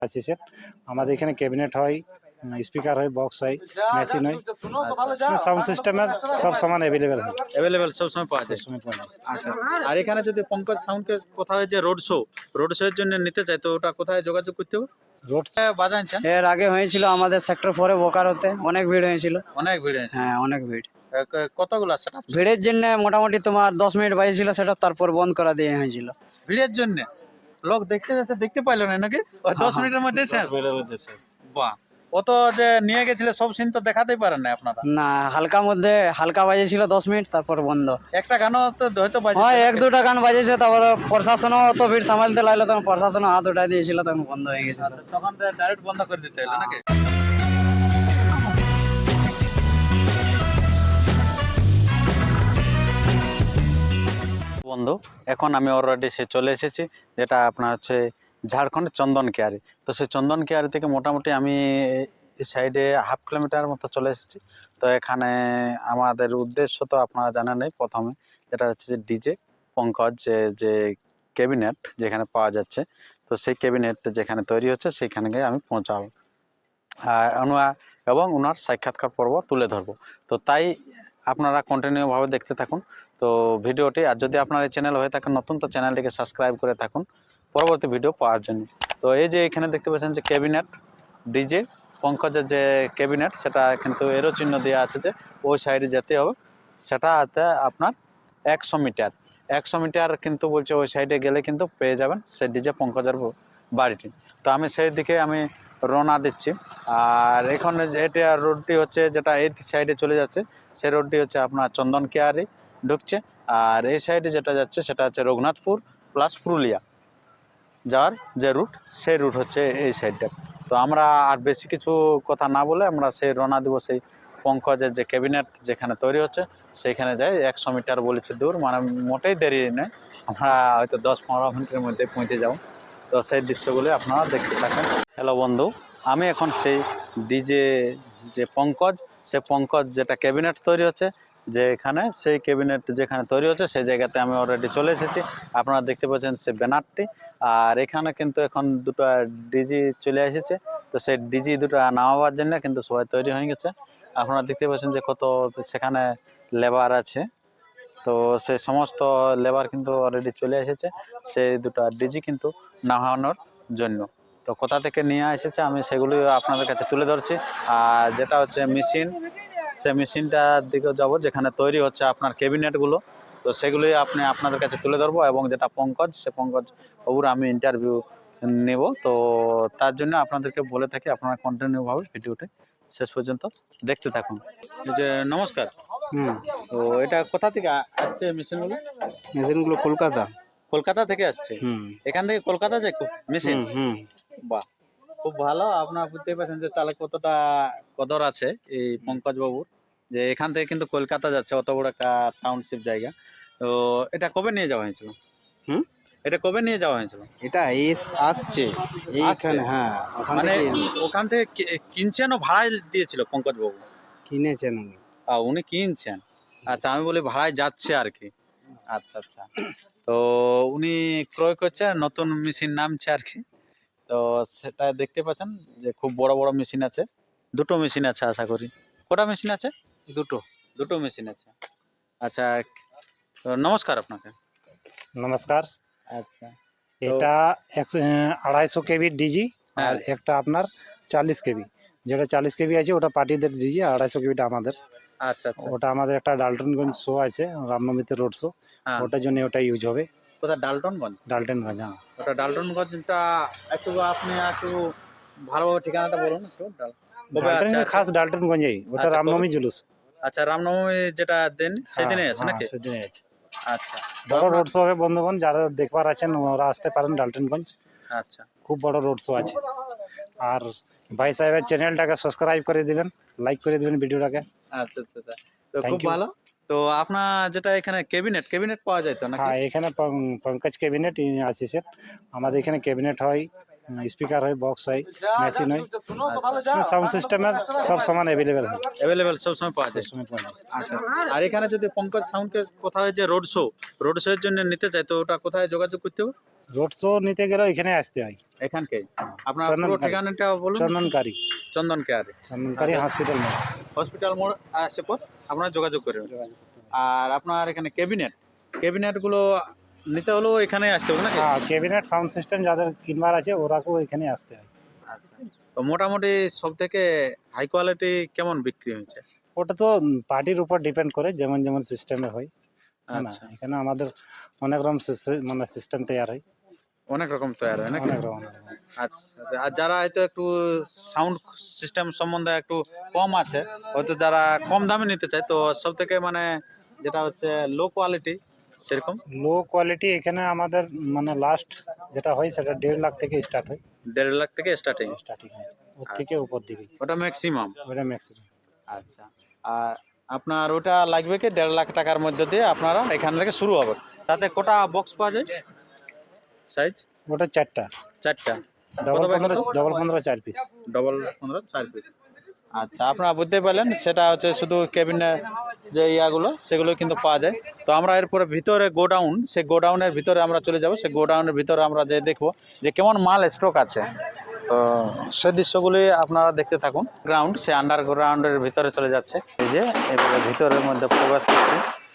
আশিসের। আমাদের এখানে ক্যাবিনেট হয়, স্পিকার হয়, বক্স হয়, মেশিন হয়, সাউন্ড সিস্টেমের সব সামান অ্যাভেলেবেল হয়, অ্যাভেলেবেল সবসময় পাওয়া যায়। সবসময় পাওয়া যায়। আচ্ছা, আর এখানে যদি পঙ্কজ সাউন্ডকে কোথাও যে রোড শো এর জন্য নিতে চাই, তো ওটা কোথায় যোগাযোগ করতে হবে? রোড বাজাচ্ছেন এর আগে হয়েছিল আমাদের সেক্টর 4 বোকারোতে, অনেক ভিড় হয়েছিল। অনেক ভিড় আছে। হ্যাঁ, অনেক ভিড়। কতগুলো সেটআপ? ভিড়ের জন্য মোটামুটি তোমার 10 মিনিট বাজেছিল সেটা, তারপর বন্ধ করা দিয়ে হয়েছিল। ভিড়ের জন্য লোক দেখতে যাচ্ছে, দেখতে পাইলো না নাকি? ওই 10 মিনিটের মধ্যে শেষ? বাহ, অত যে নিয়ে গেছিল সব সিন তো দেখাতেই পারেন না আপনারা? না, হালকা বাজেছিল 10 মিনিট, তারপর বন্ধ। একটা গানও তো হয়তো বাজে? হ্যাঁ, এক দুটা গান বাজেছে, তারপর প্রশাসনও অত ভিড় সামালতে লাগলো, তখন প্রশাসনও হাত উঠাই দিয়েছিল, তখন বন্ধ হয়ে গেছে। তখন ডাইরেক্ট বন্ধ করে দিতে হলো নাকি? বন্ধু, এখন আমি অলরেডি সে চলে এসেছি, যেটা আপনার হচ্ছে ঝাড়খণ্ডের চন্দন কেয়ারি। তো সেই চন্দন কেয়ারি থেকে মোটামুটি আমি এই সাইডে 1/2 কিলোমিটার মতো চলে এসেছি। তো এখানে আমাদের উদ্দেশ্য তো আপনারা জানেন নেই, প্রথমে যেটা হচ্ছে যে ডিজে পঙ্কজ যে ক্যাবিনেট যেখানে পাওয়া যাচ্ছে, তো সেই ক্যাবিনেট যেখানে তৈরি হচ্ছে সেখানে গিয়ে আমি পৌঁছাবো এবং ওনার সাক্ষাৎকার পর্ব তুলে ধরবো। তো তাই আপনারা কন্টিনিউভাবে দেখতে থাকুন তো ভিডিওটি। আর যদি আপনার এই চ্যানেল হয়ে থাকেন নতুন, তো চ্যানেলটিকে সাবস্ক্রাইব করে থাকুন পরবর্তী ভিডিও পাওয়ার জন্য। তো এই যে এখানে দেখতে পাচ্ছেন যে ক্যাবিনেট ডিজে পঙ্কজের যে ক্যাবিনেট, সেটা কিন্তু এরো চিহ্ন দেওয়া আছে যে ওই সাইডে যেতে হবে। সেটাতে আপনার 100 মিটার কিন্তু বলছে, ওই সাইডে গেলে কিন্তু পেয়ে যাবেন সেই ডিজে পঙ্কজের বাড়িটি। তো আমি সেই দিকে আমি রওনা দিচ্ছি। আর এখানে এটা রোডটি হচ্ছে যেটা এই সাইডে চলে যাচ্ছে, সেই রোডটি হচ্ছে আপনার চন্দন কেয়ারি ঢুকছে। আর এই সাইডে যেটা যাচ্ছে সেটা হচ্ছে রঘুনাথপুর প্লাস পুরুলিয়া যাওয়ার যে রুট, সেই রুট হচ্ছে এই সাইডটা। তো আমরা আর বেশি কিছু কথা না বলে আমরা সেই রওনা দেবো সেই পঙ্কজের যে ক্যাবিনেট যেখানে তৈরি হচ্ছে সেইখানে যাই। 100 মিটার বলেছে দূর, মানে মোটেই দেরি নেই, আমরা হয়তো 10-15 মিনিটের মধ্যে পৌঁছে যাব। তো সেই দৃশ্যগুলি আপনারা দেখতে থাকেন। হ্যালো বন্ধু, আমি এখন সেই ডিজে যে পঙ্কজ, সে পঙ্কজ যেটা ক্যাবিনেট তৈরি হচ্ছে যেখানে, সেই ক্যাবিনেট যেখানে তৈরি হচ্ছে সেই জায়গাতে আমি অলরেডি চলে এসেছি। আপনারা দেখতে পাচ্ছেন সে ব্যানারটি। আর এখানে কিন্তু এখন দুটো ডিজি চলে এসেছে, তো সেই ডিজি দুটো নামাবার জন্য কিন্তু সবাই তৈরি হয়ে গেছে। আপনারা দেখতে পাচ্ছেন যে কত সেখানে লেবার আছে, তো সেই সমস্ত লেবার কিন্তু অলরেডি চলে এসেছে সেই দুটো ডিজি কিন্তু নামানোর জন্য। তো কোথা থেকে নিয়ে এসেছে আমি সেগুলি আপনাদের কাছে তুলে ধরছি। আর যেটা হচ্ছে মেশিন, সে মেশিনটার দিকে যাব যেখানে তৈরি হচ্ছে আপনার ক্যাবিনেটগুলো, তো সেগুলি আপনাদের কাছে তুলে ধরবো। এবং যেটা পঙ্কজ, সে পঙ্কজ বাবুর আমি ইন্টারভিউ নেব। তো তার জন্য আপনাদেরকে বলে থাকি আপনারা কন্টিনিউভাবে ভিডিওটি শেষ পর্যন্ত দেখতে থাকুন। এই যে নমস্কার, তো এটা কোথা থেকে আসছে মেশিনগুলো? মেশিনগুলো কলকাতা থেকে আসছে। এখান থেকে কলকাতা যায় মেশিন? বাহ, খুব ভালো। আপনারা বুঝতেই পারছেন যে তাহলে কতটা কদর আছে এই পঙ্কজ বাবুর, যে এখান থেকে কিন্তু কলকাতা যাচ্ছে, অত বড় একটা টাউনশিপ জায়গা। তো এটা কবে নিয়ে যাওয়া হয়েছিল? এটা কবে নিয়ে যাওয়া হয়েছিল? এটা আসছে এইখানে। হ্যাঁ, মানে ওখান থেকে কিনছেন ও ভাড়ায় দিয়েছিল পঙ্কজ বাবু? কিনেছেন উনি কিনছেন। আচ্ছা, আমি বলি ভাড়ায় যাচ্ছে আর কি। আচ্ছা আচ্ছা, তো উনি ক্রয় করছে, নতুন মেশিন নামছে আর কি। তো সেটা দেখতে পাচ্ছেন যে খুব বড় বড় মেশিন আছে, দুটো মেশিন আছে আশা করি। কটা মেশিন আছে? দুটো মেশিন আছে। আচ্ছা, তো নমস্কার আপনাকে। নমস্কার। আচ্ছা, এটা 250 কেবি ডিজি, আর একটা আপনার 40 কেবি। যেটা 40 কেবি আছে ওটা পার্টিদের ডিজি, 250 কেবিটা আমাদের। আচ্ছা আচ্ছা, ওটা আমাদের একটা ডালটনগঞ্জ শো আছে, রামনবমীতে রোড শো, ওটার জন্য ওটা ইউজ হবে। কোথায়? ডালটনগঞ্জ? ডালটনগঞ্জ, হ্যাঁ। ওটা ডালটনগঞ্জটা একটু আপনি একটু ভালোভাবে ঠিকানাটা বলুন একটু। ডালটনগঞ্জ, খাস ডালটনগঞ্জেই, ওটা আচ্ছা, রামনবমী জুলুস। আচ্ছা, রামনবমী যেটা দেন সেদিনে আছে নাকি? সেদিনে আছে। আচ্ছা, বড় রোড শো হবে বন্ধুগণ, যারা দেখবার আছেন ওরা আসতে পারেন ডালটনগঞ্জ। আচ্ছা, খুব বড় রোড শো আছে। আর ভাই সাহেবের চ্যানেলটাকে সাবস্ক্রাইব করে দিবেন, লাইক করে দিবেন ভিডিওটাকে। আচ্ছা আচ্ছা, তো খুব ভালো। তো আপনার যেটা এখানে ক্যাবিনেট পাওয়া যায় তো নাকি? হ্যাঁ, এখানে পঙ্কজ ক্যাবিনেট আশিসের। আমাদের এখানে ক্যাবিনেট হয়, স্পিকার হয়, বক্স হয়, মেশিন হয়, সাউন্ড সিস্টেমের সব সমান অ্যাভেলেবেল হয়, অ্যাভেলেবেল সবসময় পাওয়া যায়। সবসময় পাওয়া যায়। আচ্ছা, আর এখানে যদি পঙ্কজ সাউন্ডকে কোথাও যে রোড শো এর জন্য নিতে চাই, তো ওটা কোথায় যোগাযোগ করতে হবে? রোড শো নিতে গেলে এখানে আসতে হয়, এখানকে আপনার চন্দন পুরো কারি। ঠিকানাটা বলুন। চন্দনকারী, চন্দন কেয়ারে, চন্দনকারী হসপিটাল মোড়। হসপিটাল মোড় আসে পর আপনারা যোগাযোগ করবেন। যোগাযোগ করতে হবে। আর আপনার এখানে ক্যাবিনেট গুলো নিতে হলেও এখানে আসতে হবে নাকি? হ্যাঁ, ক্যাবিনেট সাউন্ড সিস্টেম যাদের কিনবার আছে ওরাকেও এখানে আসতে হয়। আচ্ছা, তো মোটামুটি সব থেকে হাই কোয়ালিটি কেমন বিক্রি হয়েছে? ওটা তো পার্টির উপর ডিপেন্ড করে, যেমন যেমন সিস্টেমে হয়। হ্যাঁ না, আচ্ছা, এখানে আমাদের অনেক রকম মানে সিস্টেম তৈরি হয়, অনেক রকম তৈরি হয় নাকি? অনেক রকম। আচ্ছা, আর যারা হয়তো একটু সাউন্ড সিস্টেম সম্বন্ধে একটু কম আছে, হয়তো যারা কম দামে নিতে চায়, তো সব থেকে মানে যেটা হচ্ছে লো কোয়ালিটি সেরকম লো কোয়ালিটি এখানে আমাদের মানে লাস্ট যেটা হয় সেটা 1.5 লাখ থেকে স্টার্ট হয়, 1.5 লাখ থেকে স্টার্টিং, হয় ওর থেকে উপর দিকে, ওটা ম্যাক্সিমাম। ওটা ম্যাক্সিমাম। আচ্ছা, আর আপনার ওটা লাগবে কি 1.5 লাখ টাকার মধ্যে দিয়ে আপনারা এখান থেকে শুরু হবে। তাতে কটা বক্স পাওয়া যায় সাইজ? ওটা 4টা, চারটা। ডবল কত বাই 15, কত? Double 15 4 piece. Double 15 4 piece. আচ্ছা, আপনারা বুঝতে পারলেন, সেটা হচ্ছে শুধু কেবিনের যে ইয়াগুলো সেগুলো কিন্তু পাওয়া যায়। তো আমরা এরপরে ভিতরে গোডাউন, সেই গোডাউনের ভিতরে আমরা চলে যাব, সেই গোডাউনের ভিতরে আমরা যে দেখবো যে কেমন মাল স্টক আছে। তো সেই দৃশ্যগুলি আপনারা দেখতে থাকুন। গ্রাউন্ড, সে আন্ডারগ্রাউন্ডের ভিতরে চলে যাচ্ছে, এই যে এবারে ভিতরের মধ্যে প্রবেশ করছে।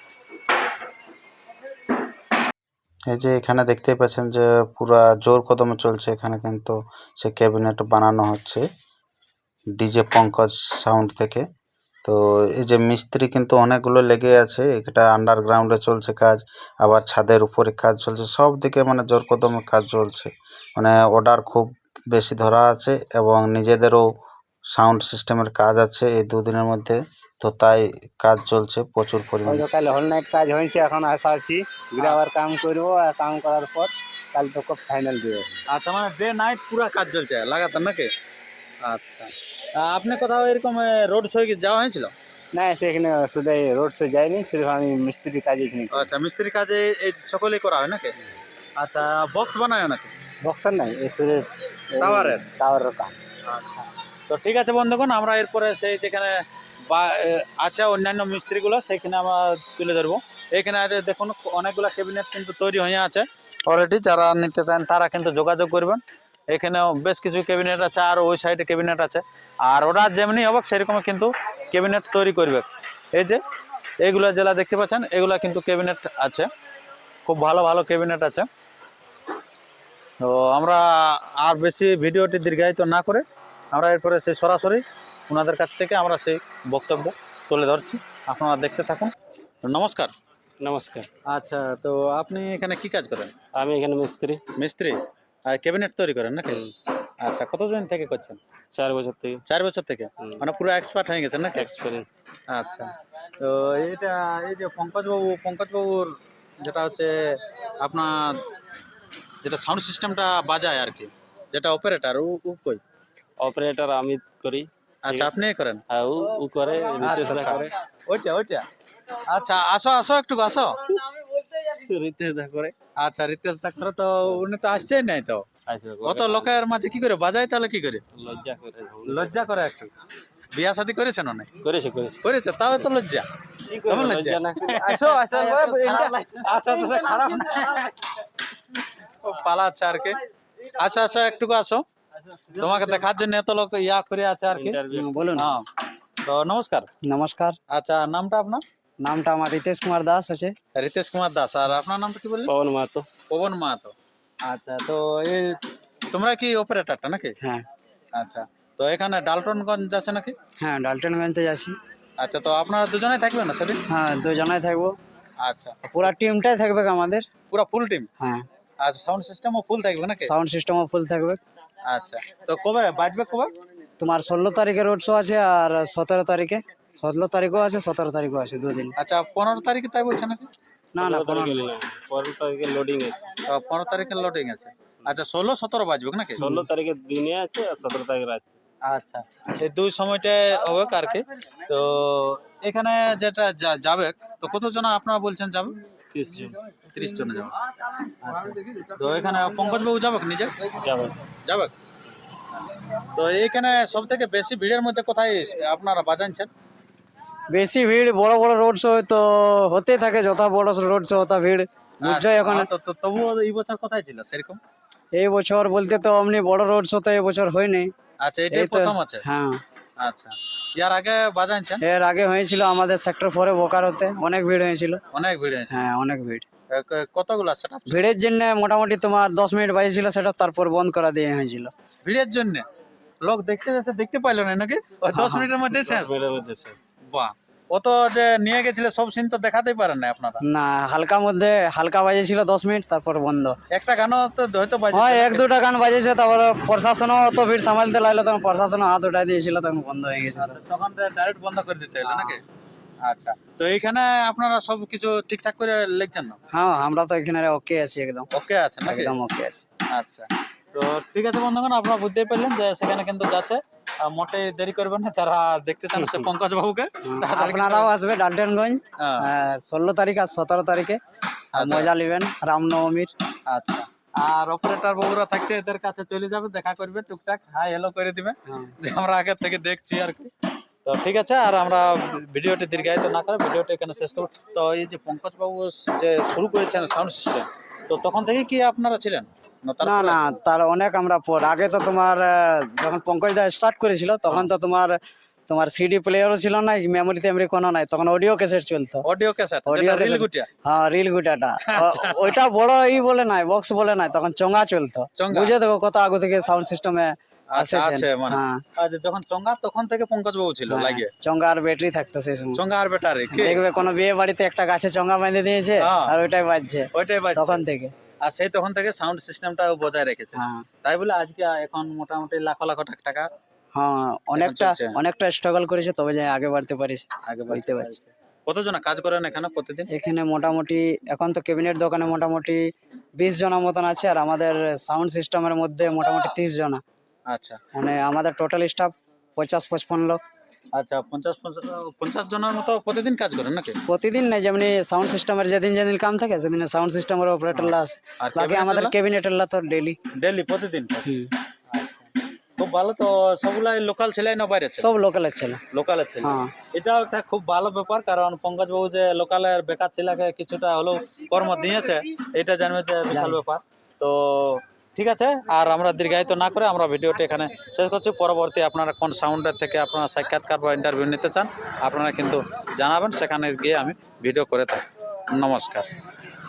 এই যে এখানে দেখতেই পাচ্ছেন যে পুরা জোর কদমে চলছে, এখানে কিন্তু সে ক্যাবিনেট বানানো হচ্ছে ডিজে পঙ্কজ সাউন্ড থেকে। তো এই যে মিস্ত্রি কিন্তু অনেকগুলো লেগে আছে, এটা আন্ডারগ্রাউন্ডে চলছে কাজ, আবার ছাদের উপরে কাজ চলছে, সব দিকে মানে জোর কদমে কাজ চলছে। মানে অর্ডার খুব বেশি ধরা আছে এবং নিজেদেরও সাউন্ড সিস্টেমের কাজ আছে এই দুদিনের মধ্যে, তো তাই কাজ চলছে প্রচুর পরিমাণে। কাল হল নাইট কাজ হয়েছে, এখন আসা আছি, ঘুরে আবার কাম করবো, আর কাম করার পর কাল তোকে ফাইনাল দেবো। আচ্ছা, মানে ডে নাইট পুরা কাজ চলছে লাগাতার নাকি? আচ্ছা, আপনি কোথাও এরকম রোড শো যাওয়া হয়েছিল? না, সেখানে শুধু রোড শো যায়নি, শুধু আমি মিস্ত্রি কাজ এখানে করি। আচ্ছা, মিস্ত্রি কাজে এই সকলেই করা হয় নাকি? আচ্ছা, বক্স বানায় নাকি? বক্সার নাই, এই শুধু টাওয়ারের কাম। আচ্ছা, তো ঠিক আছে বন্ধুগণ, আমরা এরপরে সেই যেখানে আছে অন্যান্য মিস্ত্রিগুলো সেখানে আমরা তুলে ধরবো। এখানে দেখুন অনেকগুলো ক্যাবিনেট কিন্তু তৈরি হয়ে আছে অলরেডি, যারা নিতে চান তারা কিন্তু যোগাযোগ করবেন। এখানেও বেশ কিছু ক্যাবিনেট আছে, আর ওই সাইডে ক্যাবিনেট আছে, আর ওরা যেমনি হবে সেরকম কিন্তু ক্যাবিনেট তৈরি করবে। এই যে এইগুলা যেগুলা দেখতে পাচ্ছেন, এগুলা কিন্তু ক্যাবিনেট আছে, খুব ভালো ভালো ক্যাবিনেট আছে। তো আমরা আর বেশি ভিডিওটি দীর্ঘায়িত না করে আমরা এরপরে সেই সরাসরি ওনাদের কাছ থেকে আমরা সেই বক্তব্য তুলে ধরছি, আপনারা দেখতে থাকুন। নমস্কার। নমস্কার, আচ্ছা, তো আপনি এখানে কি কাজ করেন? আমি এখানে মিস্ত্রি, আর ক্যাবিনেট তৈরি করেন নাকি? আচ্ছা, কতদিন থেকে করছেন? 4 বছর থেকে 4 বছর থেকে, মানে পুরো এক্সপার্ট হয়ে গেছেন নাকি? এক্সপিরিয়েন্স। আচ্ছা, তো এটা এই যে পঙ্কজবাবুর যেটা হচ্ছে আপনার যেটা সাউন্ড সিস্টেমটা বাজায় আর কি, যেটা অপারেটর ও কই? অপারেটর আমি করি। আচ্ছা, আপনি করেন? হ্যাঁ, ও করে, রিতেশ দা করে। ওইটা আচ্ছা, আসো একটু আসো। রিতেশ দা করে। আচ্ছা, রিতেশ দা করে, তো উনি তো আসছেই নাই, তো অত লোকের মাঝে কি করে বাজায়, তাহলে কি করে? লজ্জা করে। লজ্জা করে একটু। বিয়া শাদী করেছেন অনেক? করেছে। করেছে, তাও তো লজ্জা। কেমন লজ্জা? না আসো আচ্ছা, খারাপ না, ও পালাচ্ছে আর কি। আসো একটু আসো, তোমাকে দেখার জন্য এত লোক ইয়া করে আছে আর কি। বলুন। হ্যাঁ, তো নমস্কার। নমস্কার, আচ্ছা, নামটা আপনার? নামটা আমার রিতেশ কুমার দাস আছে। রিতেশ কুমার দাস। আর আপনার নামটা কি বললেন? পবন মাহাতো। পবন মাহাতো। আচ্ছা, তো এই তোমরা কি অপারেটরটা নাকি? হ্যাঁ আচ্ছা, তো এখানে ডালটনগঞ্জ আছে নাকি? হ্যাঁ, ডালটনগঞ্জে যাচ্ছি। আচ্ছা, তো আপনারা দুজনেই থাকবেন না সেদিন? হ্যাঁ, দুজনাই থাকবো, আচ্ছা, পুরা টিমটাই থাকবে আমাদের। পুরো ফুল টিম? হ্যাঁ, আর সাউন্ড সিস্টেমও ফুল থাকবে নাকি? সাউন্ড সিস্টেমও ফুল থাকবে। আচ্ছা, তো কবে বাজবে কবে? তোমার 16 তারিখে রোড শো আছে, আর 17 তারিখে, 16 তারিখও আছে, 17 তারিখও আছে, 2 দিন। আচ্ছা, 15 তারিখে তাই বলছে নাকি? না 15 তারিখে লোডিং আছে। 15 তারিখে লোডিং আছে। আচ্ছা, 16 17 বাজবে নাকি? 16 তারিখে দিনে আছে, আর 17 তারিখে রাত। আচ্ছা, এই দুই সময়টায় হবে আর কি। তো এখানে যেটা যাবে, তো কতজন আপনারা বলছেন যাবে? 30 জন যাবে। আচ্ছা। তো এখানে পঙ্কজ বাবু যাবে নিজে যাবে। তো এইখানে সব থেকে বেশি ভিড়ের মধ্যে কোথায় আপনারা বাজানছেন? বেশি ভিড় বড় বড় রোড শো তো হতেই থাকে, যত বড় রোড শো তত ভিড় বুঝছো এখন। তবুও এই বছর কোথায় ছিল সেরকম? এই বছর বলতে তো অমনি বড় রোড শো তো এই বছর হয়নি। আচ্ছা, এটাই এই তো- প্রথম আছে। হ্যাঁ, আচ্ছা, ইয়ার আগে বাজানছেন? এর আগে হয়েছিল আমাদের সেক্টর 4 বোকারোতে, অনেক ভিড় হয়েছিল। অনেক ভিড় হয়েছে। হ্যাঁ, অনেক ভিড়। কতগুলা সেটআপ? ভিড়ের জন্য মোটামুটি তোমার 10 মিনিট বাজেছিল সেটা, তারপর বন্ধ করা দিয়ে হয়েছিল। ভিড়ের জন্য লোক দেখতে পাইলো না নাকি? ওই 10 মিনিটের মধ্যে শেষ? বাহ, ও তো যে নিয়ে গেছিল সব সিন তো দেখাতেই পারেন না আপনারা। না, হালকা বাজেছিল 10 মিনিট, তারপর বন্ধ। একটা গানও তো হয়তো বাজে। হ্যাঁ, 1-2টা গান বাজেছে, তারপর প্রশাসনও অত ভিড় সামালতে লাগলো, তখন প্রশাসনও হাত উঠাই দিয়েছিল, তখন বন্ধ হয়ে গেছে। তখন ডাইরেক্ট বন্ধ করে দিতে হলো নাকি? আচ্ছা, তো এইখানে আপনারা সব কিছু ঠিকঠাক করে লিখছেন না? হ্যাঁ, আমরা তো এখানে ওকে আছি, একদম ওকে আছে নাকি? একদম ওকে আছি। আচ্ছা, তো ঠিক আছে বন্ধুগণ, আপনারা বুঝতেই পারলেন যে সেখানে কিন্তু যাচ্ছে। মোটে দেরি করবেন না, যারা দেখতে চান সে পঙ্কজ বাবুকে তাড়াতাড়ি কিন্তু- আপনারাও আসবে ডালটেনগঞ্জ হ্যাঁ, 16 তারিখ আর 17 তারিখে, আর আচ্ছা। মজা নেবেন রামনবমীর। আচ্ছা, আর অপারেটর বাবুরা থাকছে, এদের কাছে চলে যাবে, দেখা করবে, টুকটাক হাই হ্যালো করে দিবে, যে আমরা আগে থেকে দেখছি আর কি। তো ঠিক আছে, আর আমরা ভিডিওটি দীর্ঘায়িত না করে ভিডিওটি এখানে শেষ করব। তো এই যে পঙ্কজ বাবু যে শুরু করেছেন সাউন্ড সিস্টেম, তো তখন থেকে কি আপনারা ছিলেন না না তারপরে? না, তার অনেক আমরা পর। আগে তো তোমার যখন পঙ্কজ দা স্টার্ট করেছিল তখন তো তোমার সিডি প্লেয়ারও ছিল না, মেমোরি টেমরি কোনো নাই, তখন অডিও ক্যাসেট চলতো। Audio cassette, Audio reel cassette। গুটিয়া। হ্যাঁ, রিল গুটাটা ওইটা বড় বলে নাই, বক্স বলে নাই, তখন চঙ্গা চলতো। চঙ্গা। বুঝে দেখো কত আগে থেকে সাউন্ড সিস্টেমে আচ্ছা, আসেছেন। আছে মানে। হ্যাঁ, আর যখন চঙ্গা তখন থেকে পঙ্কজ বাবু ছিল হ্যাঁ, লাগিয়ে। চঙ্গা আর ব্যাটারি থাকতো সেই সময়। চঙ্গা আর ব্যাটারি কি? দেখবে কোনো বিয়ে বাড়িতে একটা গাছে চঙ্গা বেঁধে দিয়েছে, হ্যাঁ। আর ওইটাই বাজছে ওইটাই বাজছে। তখন থেকে। আর সেই তখন থেকে সাউন্ড সিস্টেমটা বজায় রেখেছে। হ্যাঁ তাই বলে আজকে এখন মোটামুটি লাখ লাখ টাকা হ্যাঁ, অনেকটা চলছে। অনেকটা স্ট্রাগল করেছে, তবে যে আগে বাড়তে পারিস। আগে বুঝতে পারছি। কতজন কাজ করেন এখানে প্রতিদিন? এখানে মোটামুটি এখন তো ক্যাবিনেট দোকানে মোটামুটি 20 জনের মতন আছে, আর আমাদের সাউন্ড সিস্টেমের মধ্যে মোটামুটি 30 জনা। আচ্ছা মানে আমাদের টোটাল স্টাফ 50-55 লোক। আচ্ছা, 50 জনের মতো প্রতিদিন কাজ করেন নাকি? প্রতিদিন নেই, যেমনি সাউন্ড সিস্টেমের যেদিন যেদিন কাম থাকে সেদিন সাউন্ড সিস্টেমের অপারেটররা আছে। আর বাকি আমাদের ক্যাবিনেটেররা তো ডেইলি। ডেইলি প্রতিদিন? খুব ভালো। তো সবগুলাই লোকাল ছেলে না বাইরে? সব লোকালের ছেলে। লোকালের ছেলে। হ্যাঁ, এটাও একটা খুব ভালো ব্যাপার, কারণ পঙ্কজ বাবু যে লোকালের বেকার ছেলেকে কিছুটা হলেও কর্ম দিয়েছে, এটা জানবে যে বিশাল ব্যাপার। তো ঠিক আছে, আর আমরা দীর্ঘায়িত না করে আমরা ভিডিওটি এখানে শেষ করছি। পরবর্তী আপনারা কোন সাউন্ডের থেকে আপনারা সাক্ষাৎকার বা ইন্টারভিউ নিতে চান আপনারা কিন্তু জানাবেন, সেখানে গিয়ে আমি ভিডিও করে থাকি। নমস্কার।